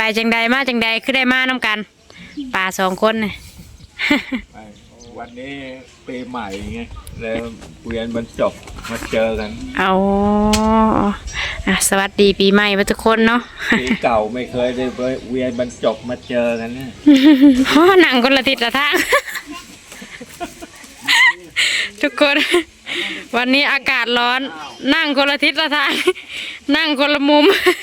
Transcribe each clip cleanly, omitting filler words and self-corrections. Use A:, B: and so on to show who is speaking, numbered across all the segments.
A: จังใดมาจังใดคือได้มาน้ำกันป่าสองคนเนี่ย
B: วันนี้ปีใหม่ไงแล้วเวียนบรรจบมาเจอกัน
A: เอาสวัสดีปีใหม่ทุกคนเนาะ
B: ปีเก่าไม่เคยได้เวียนบรรจบมาเจอกันเนี่ย
A: หนังคนละทิศละทาง ทุกคนวันนี้อากาศร้อนนั่งคนละทิศละทางนั่งคนละมุม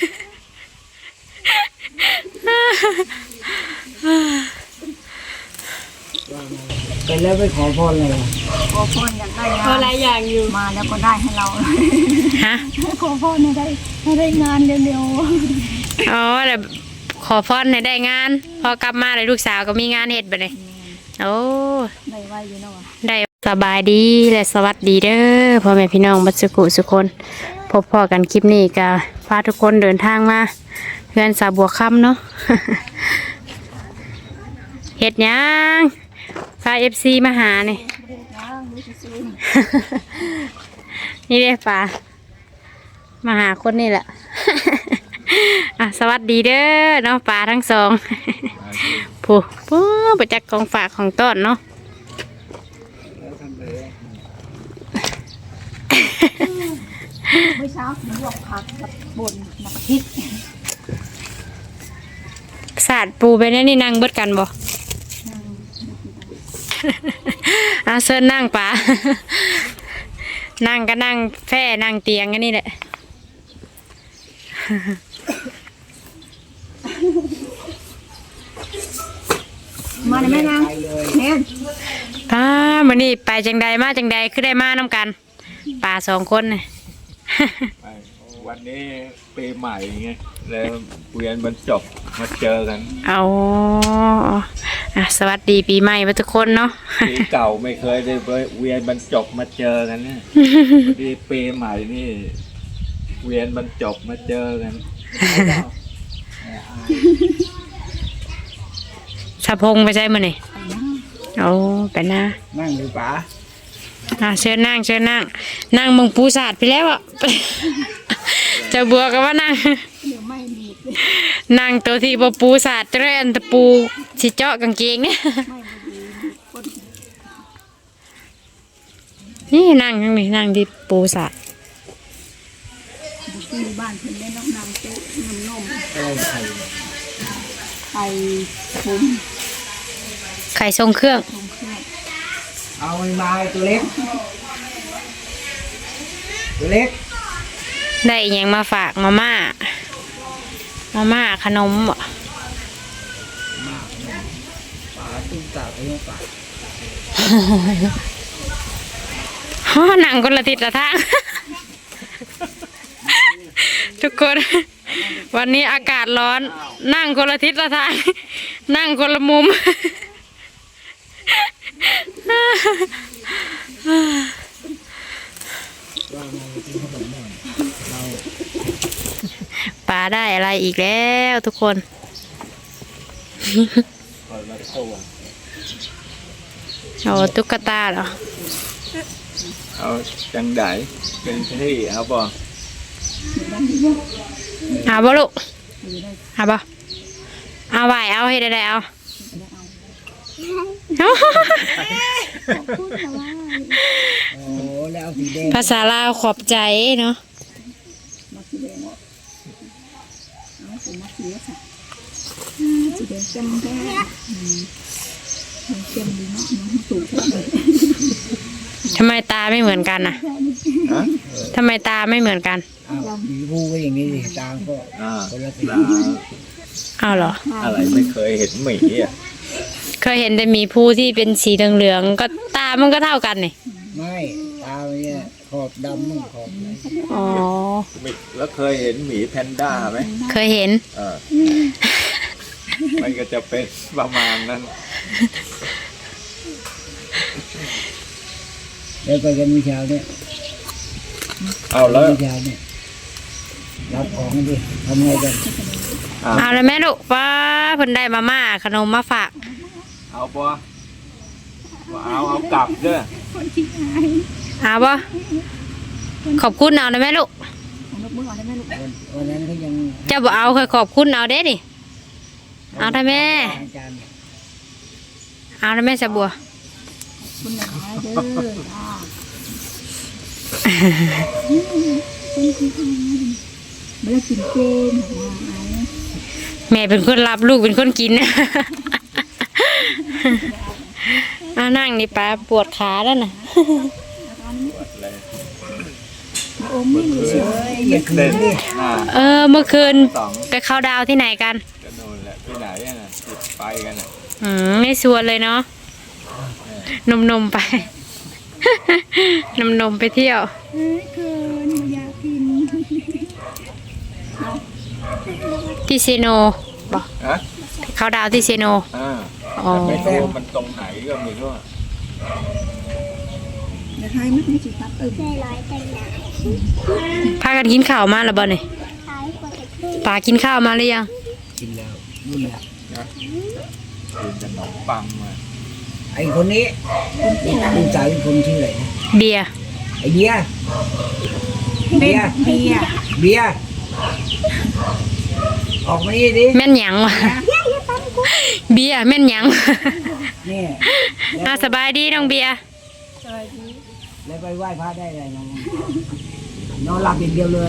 C: ไปแล้วไปขอพรเลย
D: ขอพรอยากได้งาน
A: อะไรอย่างอยู่
D: มาแล้วก็ได้ให้เรา
A: ฮะ
D: ขอพรให้ได้งานเร็ว
A: ๆอ๋อแต่ขอพรให้ได้งานพอกลับมาเลยลูกสาวก็มีงานเฮ็ดไปเลยโอ้
D: ได้ไว้อยู่เนาะ
A: ได้สบายดีและสวัสดีเด้อพ่อแม่พี่น้องบัดสุกุสุคนพบพ่อกันคลิปนี้ก็พาทุกคนเดินทางมาเพื่อนสาวบัวค่ำเนาะ เฮ็ดยังพาFCมาหานี่ นี่เด้ป่ามาหาคนนี่แหละ สวัสดีเด้อเนาะป่าทั้งสองผู้ประจักษ์ของฝากของต้นเนาะ
D: เมื่อเช้าผมลวกผักกับบนหมักพริก
A: ศาสตร์ปูไปนี่นั่งเบิดกันบ่เซิร์นั่งป่า นั่งก็นั่งแฟ่นั่งเตียงกันนี่แหละ
D: มาได้ไหมนางเนี่ย
A: มันนี่ไปจังใดมาจังใดคือได้มาน้ำกันป่าสองคนเนี่ย
B: วันนี้ปีใหม่ไงแล้วเวียนบรรจบมาเจอกัน
A: เอาสวัสดีปีใหม่ทุกคนเนาะ
B: ปีเก่าไม่เคยได้เวียนบรรจบมาเจอกันเนี่ยวันนี้ปีใหม่นี่เวียนบรรจบมาเจอกัน
A: สะพงไปใช่มั้ยนี่เอาไปนะ
C: นั่งหรือป๋า
A: เชิญนั่งมึงปูศาสตร์ไปแล้วอ่ะ จะบัวกันว่านั่งตัวที่ปูศาสตร์เรนตะปูชิเจาะกางเกงเนี่ยนี่นั่งทั้งนี้นั่งที่ปูศาสตร์
D: ที่บ้านเพิ่นได้น้ำเต๊ะนมไข่บุ้ม
A: ไข่ทรงเครื่อง
C: เอามาตัวเล็ก
A: ได้ยังมาฝากมาม่าขนม
C: ป๋าตุ้งตาไปยังป๋า
A: นั่งคนละทิศละทาง ทุกคนวันนี้อากาศร้อนนั่งคนละทิศละทางนั่งคนละมุมป่าได้อะไรอีกแล้วทุกคนเอาตุ๊กตาเหรอ
B: เอาจังไดเป็นที่เอาบ่
A: ลูกเอาบ่เอาไหวเอาให้ได้เอาภาษาลาวขอบใจเนาะทำไมตาไม่เหมือนกันน่ะทำไมตาไม่เหมือนกัน
C: มีผู้ก็อย่างนี้สิตาก็คนละสี
A: อ้าวเหรอ
B: อะไรไม่เคยเห็นหมีอ่ะ
A: เคยเห็นแต่มีผู้ที่เป็นสีเหลืองๆก็ตามันก็เท่ากันนี่
C: ไม่ตาเนี่ยขอบดำมั่งขอบ
A: อ๋อ
B: แล้วเคยเห็นหมีแพนด้าไหม
A: เคยเห็น
B: มันก็จะเป็นประมาณนั้น
C: แล้วไปกันวิชาเนี่ย
B: เอาแล้ว
C: วิชาเนี่ยรับของดิทำไงกัน
A: เอาแล้วแม่ลูกป้าเพิ่นได้มาม่าขนมมาฝาก
B: เอาปะเอากลับเด้อ
A: เอาปะขอบคุณเอาเลยแม่ลูก
C: วันนั้นเขายัง
A: จะบอกเอาเคยขอบคุณเอาเด้ดิเอาได้แม่
C: อาจารย์
A: เอาได้แม่สะบัว
D: คุณหลายเด้อจ้าไม่ได้กินเจนหรอกนะ
A: แม่เป็นคนรับลูกเป็นคนกิน เอานั่งนี่ป้าปวดขาแล้วน่ะ
B: เลย
D: โอ้ไม่รู้เชื่อ
C: อย่าคื
B: เล่
C: น
B: น
C: ดิ
B: หน้า
A: เมื่อคืน
B: สอง
A: ไปเข้าดาวที่ไหนกัน
B: กันโน่นแหละที่ไหนอะน่ะติดไปกันอ่ะ
A: ไม่ชวนเลยเนาะนมๆไป นมๆไปเที่ยว
D: เอ้ยเกินอยากกิน
A: ที่เซโนบอก
B: ฮะ
A: เข้าดาวที่เซโน อ๋อ
B: ไม่รู้มันตรงไหนก็ไม่รู้อะ
D: เดี๋ยวใครไม่ได้จิตตัดตึง
A: พากันกินข้าวมาแล้วบ่เนี่ยป่ากินข้าวมาหรือยัง
C: กินแล้วนู่นแหละ
B: นะกินขนมปังมา
C: ไอ้คนนี้ลูกสาวเป็นคนชื่ออะไรนะ
A: เบียร์
C: ไอ้เบียร์เบียร์
D: เบียร์
C: เบียร์ออกมานี่ดิ
A: แม่นหยังวะ เบียร์แม่นหยัง
C: นี่
A: สบายดีน้องเบียร์
D: สวัสดี
C: แล้วไปไหว้พระได้อะไรน้องนอนหลับอย่างเดียวเลย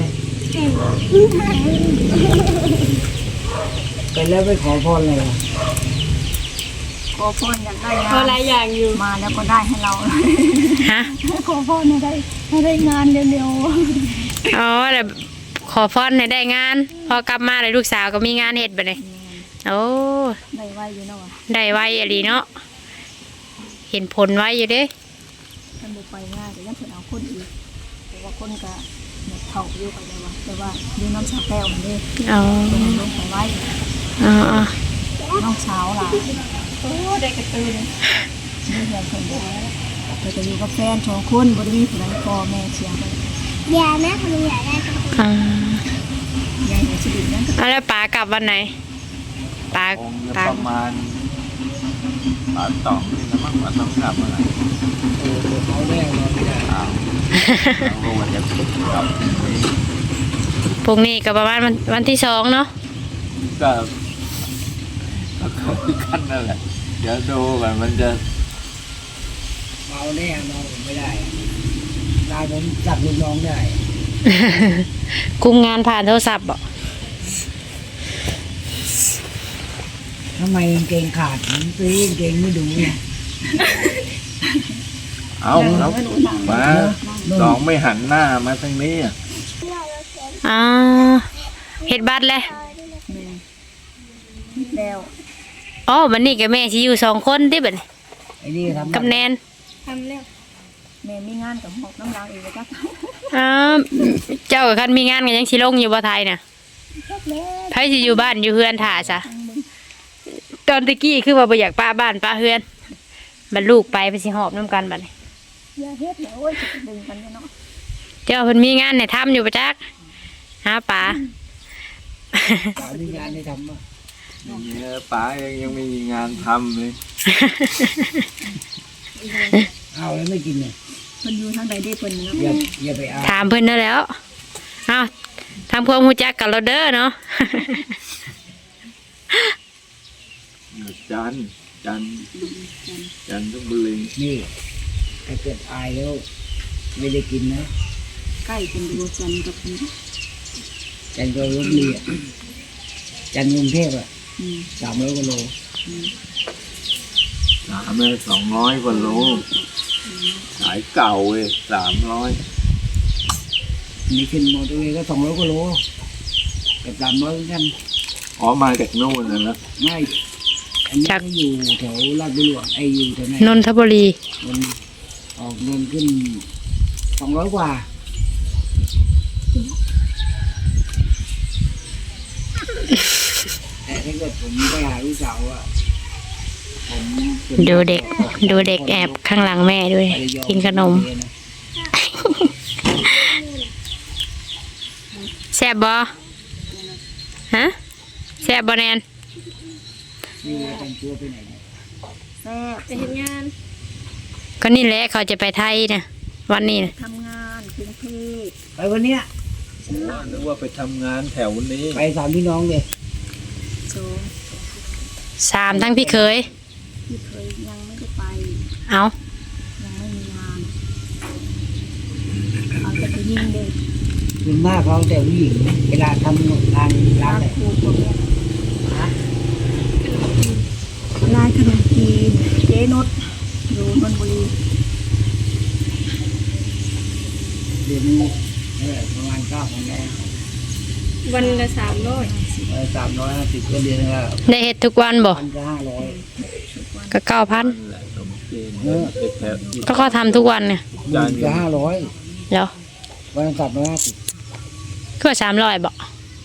C: ไปแล้วไปขอพรอะไรอ่ะ
D: ขอพรอยากได้งาน
A: ก็หลายอย่างอยู่
D: มาแล้วก็ได้ให้เรา
A: ฮะ
D: ขอพรให้ได้งานเร็ว
A: อ๋อแต่ขอพรให้ได้งาน พอกลับมาเลยลูกสาวก็มีงานเฮ็ดบ่เนี่ยโอ้
D: ๆได้ไว้อยู่เนาะ
A: ได้ไวอะดีเนาะ เห็นผลไวอยู่เด้
D: ท่านบุไปง่ายแต่ยังเพิ่นเอาคนอีกแต่ว่าคนก็เนี่ยเฒ่าอยู่ไปแล้วว่าแต่ว่าอยู่น้ำชาแก้วมันเด้
A: อ๋อ
D: เป็นลงไปไว้
A: อ๋อ
D: น้องเช้าล่ะโอ้ได้กระตือเลยนี่เพื่อนคนเดียวเราจะอยู่กับแฟน2คนบ่ได้มีผู้ใดพ่อแม่เสียไป
A: อ๋อ
D: ยายเนี่ยสิดินนั้นก็
A: แล้วป๋ากลับวันไหนป๋า
B: คงจะ
A: ป๋า
B: ประมาณปาตองนี่นะมั้งปาตองกลับเมื่อไหร่
C: เขาแน่นอนไม่ได้
B: อ้าวเราว่าจะกลับ
A: พรุ่งนี้ก็ประมาณวันที่2เนาะ
B: ก็คุยกันนั่นแหละเดี๋ยวดูก่อนมันจะ
C: เมาแน่นอนผมไม่ได้ได้ผมจับลูกน้องได้
A: คุมงานผ่านโทรศัพท์บ่
C: ทำไมกางเกงขาดผมซื้อกางเกงไม่ดูเนี่ย
B: เอาแล้วมาสองไม่หันหน้ามาทางนี้อ่ะ
A: อ๋อเฮ็ดบัตรเลย
D: แล้ว
A: อ๋อวันนี้กับแม่สิอยู่2คนติบัดนี้
C: ไอ้นี่ทำ
A: กับแนน
D: ทำแล้วแม่มีงานกับหมอกน้ำลางอีกแล้วจ้ะ
A: อ๋อเจ้าคันมีงานก็ยังสิลงอยู่บ่ไทยน่ะไผสิอยู่บ้านอยู่เฮือนท่าซะตอนตะกี้คือว่าบ่อยากป้าบ้านป้าเฮือนบัดลูกไปสิหอบนํกันบัดนี้
D: อย่าเฮ็ดเลยโอ้ยจะดึงกันเนาะ
A: เจ้าเพิ่นมีงานให้ทำอยู่ประจักหาปลา
C: สาวมีงานให้ทำอ่ะ
B: เนี่ยป๋ายังไม่มีงานทำเลย
C: เอาแล้วไม่กินเนี่ย
D: มันอยู่ทางใดได้เพิ่นเนาะ
C: อย่าไปเอา
A: ถามเพิ่นนั่นแหล้วเอาทำความรู้จักกับเราเด้อเนาะ
B: จันทร์ทุบุรี
C: นี่ถ้าเกิดอายแล้วไม่ได้กินนะ
D: ใกล้เป็นดูจันทร์กับนี่
C: จันทร์ก็ลบบุรีอ่ะจันทร์กรุงเทพอ่ะ300 กว่าโล
B: ถามเลย200 กว่าโลขายเก่าเว้ย300
C: นี่ขึ้นมอเตอร์เวย์ก็200 กว่าโลกับ300เหมือนกัน
B: อ๋อมาจากโน่นนะ
C: ไม่อันนี้ก็อยู่แถวลาดบุรีไอ้อยู่แถวไหน
A: นนทบุรี
C: มันออกเงินขึ้น200 กว่าแต่ถ้าเกิดผมไปหาลูกสาวอ่ะผม
A: ดูเด็กแอบข้างหลังแม่ด้วย กินขนมแซ่บบ่ฮะแซ่บบ่แนน
C: นี่แต่งตัวไปไหนเนี่ย
D: แซ่บไปเฮ็ดงาน
A: ก็นี่แหละเขาจะไปไทยนะวันนี้นะ
D: ทำงานกรุงเทพ
C: ไปวันเนี้ย
B: นึกว่าไปทำงานแถวนี้
C: ไป3 พี่น้องเลย
D: โซ
A: 3ทั้งพี่เคย
D: พี่เคยยังไม่ได้ไป
A: เอา
D: ยังไม่มีงานเอาแต่ไปยิงเด็ก
C: ส่วนมากเขาแต่ผู้หญิงเวลาทำงานร้าน
D: ร้าน
C: เนี่ย
D: ครูพวกเนี้ยร้านขนมจีนเจ๊นุชอยู่นนทบุรี
C: เดือนนี้ประมาณ9,000แล้ว
A: วันละ
C: 350ก็เดือนละ
A: 300ได้เฮ็ดทุกวันบ่
C: 1,500
A: ก็ 9,000
B: นั่นแหละขนมจีนแถวที่
A: ก็เขาทำทุกวันเนี่ย
B: จาน
C: ก็500
A: แล้ว
C: วันละ350
A: ก็300บ่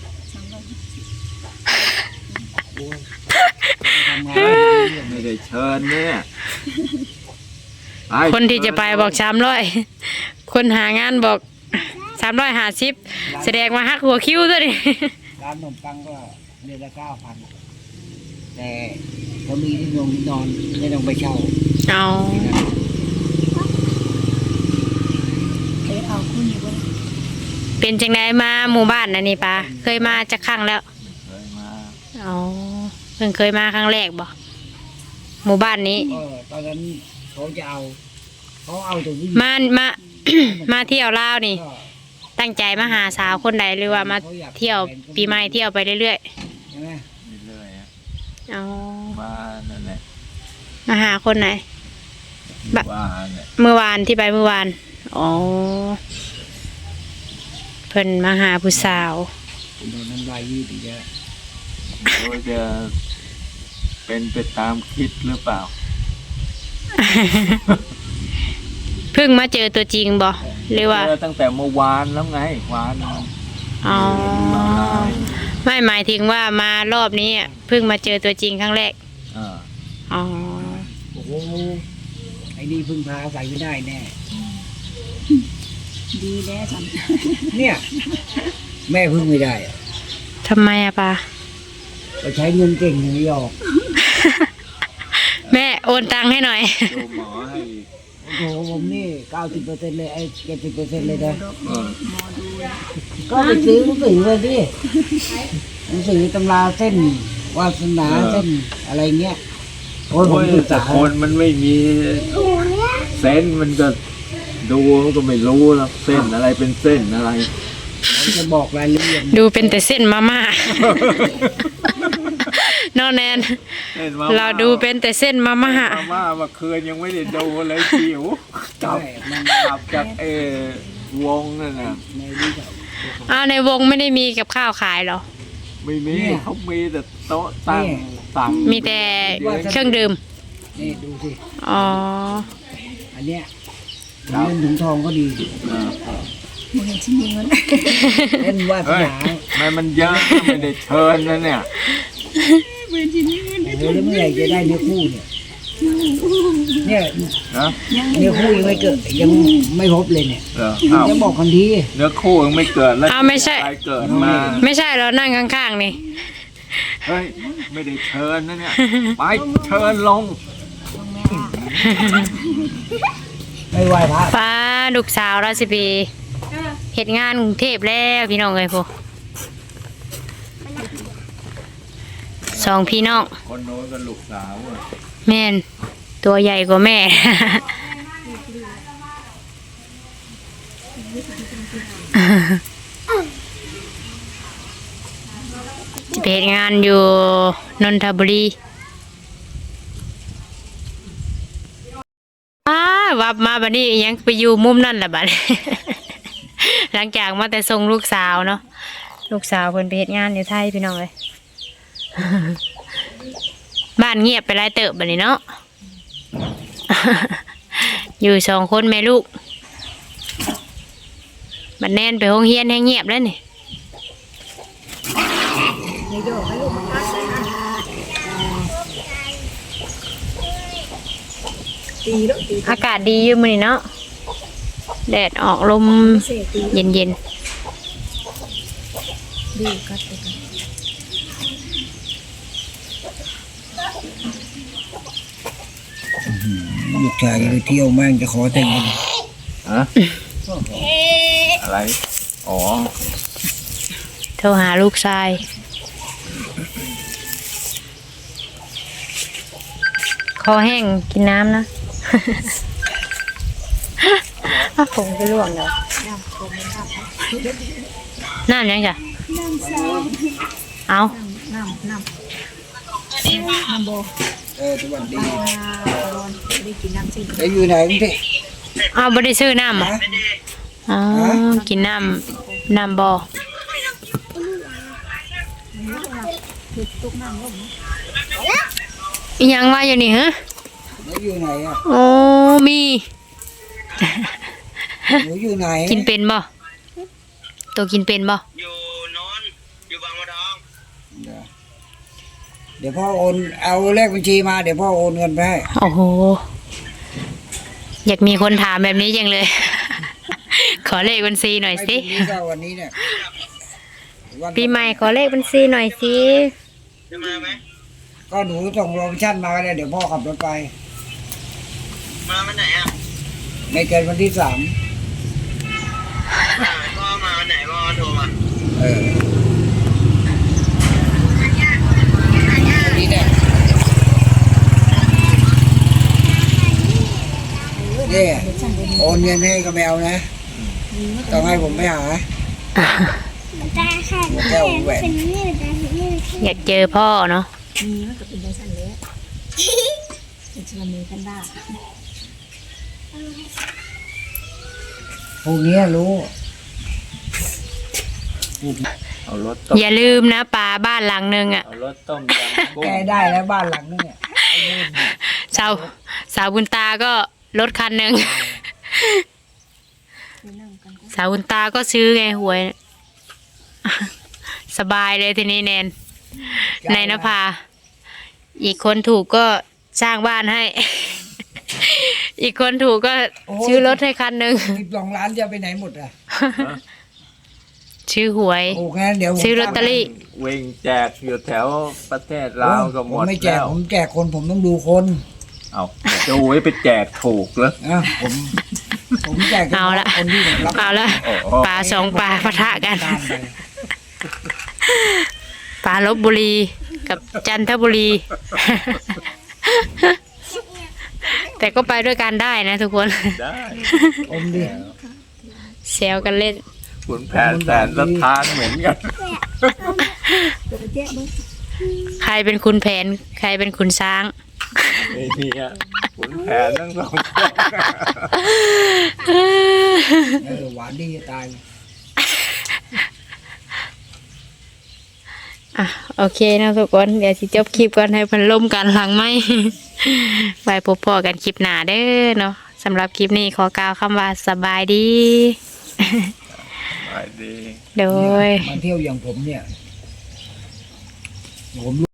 C: ทำงาน
B: ไม่ได้เชิญเนี่ยไป
A: คนที่จะไปบอก300คนหางานบอก350แสดงว่าฮักหัวคิวซะดิ
C: ร้านขนมปังก็เดือนละ9,000แต่เขามีที่นอนไม่ต้องไปเช่า
A: เอา
D: เจ๊เอาคุณอยู่บน
A: เป็นจังไดมาหมู่บ้านน่ะนี่ปาเคยมาจักครั้งแล้ว
B: เคยมา
A: อ๋อเพิ่งเคยมาครั้งแรกบ่หมู่บ้านนี้
C: ก็ตอนนั้นเขาจะเอาเขาเอาแต่ผู้หญิง
A: มา มาเที่ยวลาวนี่
C: ก็
A: ตั้งใจมาหาสาวคนใดหรือว่ามาเที่ยวปีใหม่เที่ยวไปเรื่อย
C: ใช่ไหม
B: เรื่อยๆอะ
A: ๆอ๋อ
B: มานั่นแหละ
A: มาหาคนไหน บะ
B: ว่าเนี่ย
A: เมื่อวานที่ไปเมื่อวานอ๋อเพิ่นมาหาผู้สาว
C: โดนน้ำลายยืดอีกแล้ว
B: ว่าจะเป็นไปตามคิดหรือเปล่า
A: เพิ่งมาเจอตัวจริงบ่หรือว่า
B: เจอตั้งแต่เมื่อวานแล้วไงวาน
A: อ๋อไม่หมายถึงว่ามารอบนี้อะเพิ่งมาเจอตัวจริงครั้งแรก
B: อ่า
A: อ๋อ
C: โอ้โหไอ้นี่พึ่งพาอาศัยไม่ได้แน่
D: ดีแล้วจัน
C: เนี่ยแม่พึ่งไม่ได้อะ
A: ทำไมอะปา
C: ไปใช้เงินเก่งอย่างนี้ออก
A: แม่โอนตังค์ให้หน่อย
B: ดูหมอให้อีก
C: โอ้โหผมนี่90%เลยไอ้70%เลยนะ
B: เออ
D: หมอดู
C: ก็ไปซื้อหนังสือเลยดิหนังสือตำราเส้นวาสนาเส้นอะไรเงี้ยโอ้ยผม
B: โอ้ย
C: ศึก
B: แต่
C: ษา
B: คนมันไม่มีเส้นมันก็ดูมันก็ไม่รู้หรอกเส้นอะไรเป็นเส้นอะไร
C: ผมจะบอกรายละเอียด
A: ดูเป็นแต่เส้นมาม่า นอนแนน
B: เส้นมา
A: เราดูเป็นแต่เส้นมาม่า
B: มาม่าเมื่อคืนยังไม่ได้ดูเลยจิ๋วกลั
C: ใช่
B: บ
C: มัน
B: กลับจากวงนั่นน่ะ
C: ในนี้ก็
A: อ้าวในวงไม่ได้มีกับข้าวขายเหรอ
B: ไม่มี
C: เนี่ย
B: เขามีแต่โต๊ะตั้ง
C: เนี่ย
B: สั่ง
A: มีแต่เครื่องดื่ม
C: นี่ดูสิ
A: อ๋อ
C: อันเนี้ยถุงเงินถุงทองก็ดี
B: เออ
D: มึงเห็นฉันมีเงิน
C: เล่นวาส
B: เฮ้ย
C: นา
B: ทำไมมันเยอะไม่ได้เชิญนะเนี่ย
C: โอ้โหแล้วเมื่อไหร่จะได้เนื้อคู่เนี่ยเนี่ย
B: นะ
C: เนื้อคู่ยังไม่เกิดยังไม่พบเลยเนี่ย
B: เอออ้าว
C: จะบอกคนที
B: เนื้อคู่ยังไม่เกิดแล้ว
A: อ้าวไม่ใช่
B: ใครเกิดมา
A: ไม่ใช่เรานั่งข้างๆนี่
B: เฮ้ยไม่ได้เชิญนะเนี่ยไปเชิญลง
C: ไม่ไหวพระ
A: ป้าลูกสาวราชบีเหตุงานกรุงเทพแล้วพี่น้องเลยพวกสองพี่น้อง
B: คนโน้นก็ลูกสาวอะ
A: แม่นตัวใหญ่กว่าแม่ จะไปเฮ็ดงานอยู่นนทบุรีวับมาบัดนี้ยังไปอยู่มุมนั่นแหละบัด หลังจากมาแต่ส่งลูกสาวเนาะลูกสาวเพิ่นไปเฮ็ดงานอยู่ไทยพี่น้องเลย บ้านเงียบไปหลายเติบบัดนี้เนาะ อยู่สองคนแม่ลูกบัดแน่นไปโรงเรียนให้เงียบแล้วนี่อากาศดีอยู่มื้อนี้เนาะแดดออกลมเย็น
D: ดีกัดไปกัน
C: ลูกชายไปเที่ยวแม่งจะขอแต่งงาน
B: ฮะอะไรอ๋อ
A: ๆโทรหาลูกชายคอแห้งกินน้ำนะอ้าวผมไปล่วงเลยน้ำยังจ้ะเอา
D: น้ำโบ
C: สวัสดี
D: ร้อนได้กินน้ำสิ
C: แล้วอยู่ไหนพี่
A: เอาบ่ได้ซื้อน้ำอ่ะอ๋อกินน้ำบ่อ
D: ตุกน้ำลง
A: อีหยังว่าอยู่นี่ฮะ
C: แล้วอยู่ไหนอ่ะ
A: โอ้มี
C: หนูอยู่ไหน
A: กินเป็นบ่ตัวกินเป็นบ่
E: อยู่โนนอยู่บางบัวทอง
C: เดี๋ยวพ่อโอนเอาเลขบัญชีมาเดี๋ยวพ่อโอนเงินไปให้
A: โอ้โหอยากมีคนถามแบบนี้จังเลย ขอเลขบัญชีหน่อยสิ
C: ไม่พรุ่งนี้ก็วันนี้เนี่ยวัน
A: ปีใหม่ขอเลขบัญชีหน่อยสิ
E: จะมาไหม
C: ก็หนูส่งโลเคชั่นมาเลยเดี๋ยวพ่อขับรถไป
E: มาวันไหนอ่ะ
C: ไม่เกินวันที่ 3
E: พ่อมาวันไหนพ่อโทรมา
C: เออวันนี้เนี่ยเนี่ยโอนเงินให้กับแมวนะต้องให้ผมไปหาหัวแก้วแหวน
A: อยากเจอพ่อเนาะ
D: มีมันก็เป็นได้สั่นเลยเป็นชวนมีกันได้
C: พวกนี้รู้
B: เอารถต้ม
A: อย่าลืมนะป่าบ้านหลังนึงอ่ะ
B: เอารถต้มยำกุ้ง
C: แกได้แล้วบ้านหลังนึงเนี่ย
A: สาวบุญตาก็รถคันหนึ่ง สาวบุญตาก็ซื้อไงหวย สบายเลยทีนี้แนนในนภาอีกคนถูกก็สร้างบ้านให้ อีกคนถูกก็ซื้อรถให้คันหนึ่ง
C: 12 ล้านจะไปไหนหมดอ่ะ
A: ชื่อหวย
C: โอ้งั้นเดี๋ยวผม
A: ซื้อลอตเตอรี่
B: วิ่งแจกอยู่แถวประเทศลาวก็หม
C: ผม
B: ด
C: ไม่แจ
B: แล้
C: ก
B: ว
C: ผมแจกคนผมต้องดูคน
B: เอาจะไว้ไปแจกถูกเหรอ
C: อ่ะผมแจก
A: เอาละ
C: คนที่ผมรับ
A: เอาละ
B: โอ้โห
A: ปลาสองปลาปะทะกัน
C: ตามไป
A: ปลาลบบุรีกับจันทบุรี แต่ก็ไปด้วยกันได้นะทุกคน
B: ได้
C: อมดิ
A: แซวกันเล่น
B: ขุนแผนแสนสถานเหมือนกัน
A: ใครเป็นคุณแผน ใครเป็นคุณช้าง
B: ไอ้เนี่ยขุนแผนทั้งสองคน
C: หวานดีจะตาย
A: อ่ะโอเคนะทุกคน เดี๋ยวสิจบคลิปก่อนให้เพันล่มกันหลังไหม ไว้พบพอกันคลิปหน้าเด้อเนาะสำหรับคลิปนี้ขอกล่าวคำว่าสบายดี
B: ไปดี
A: โดย
C: มาเที่ยวอย่างผมเนี่ยผม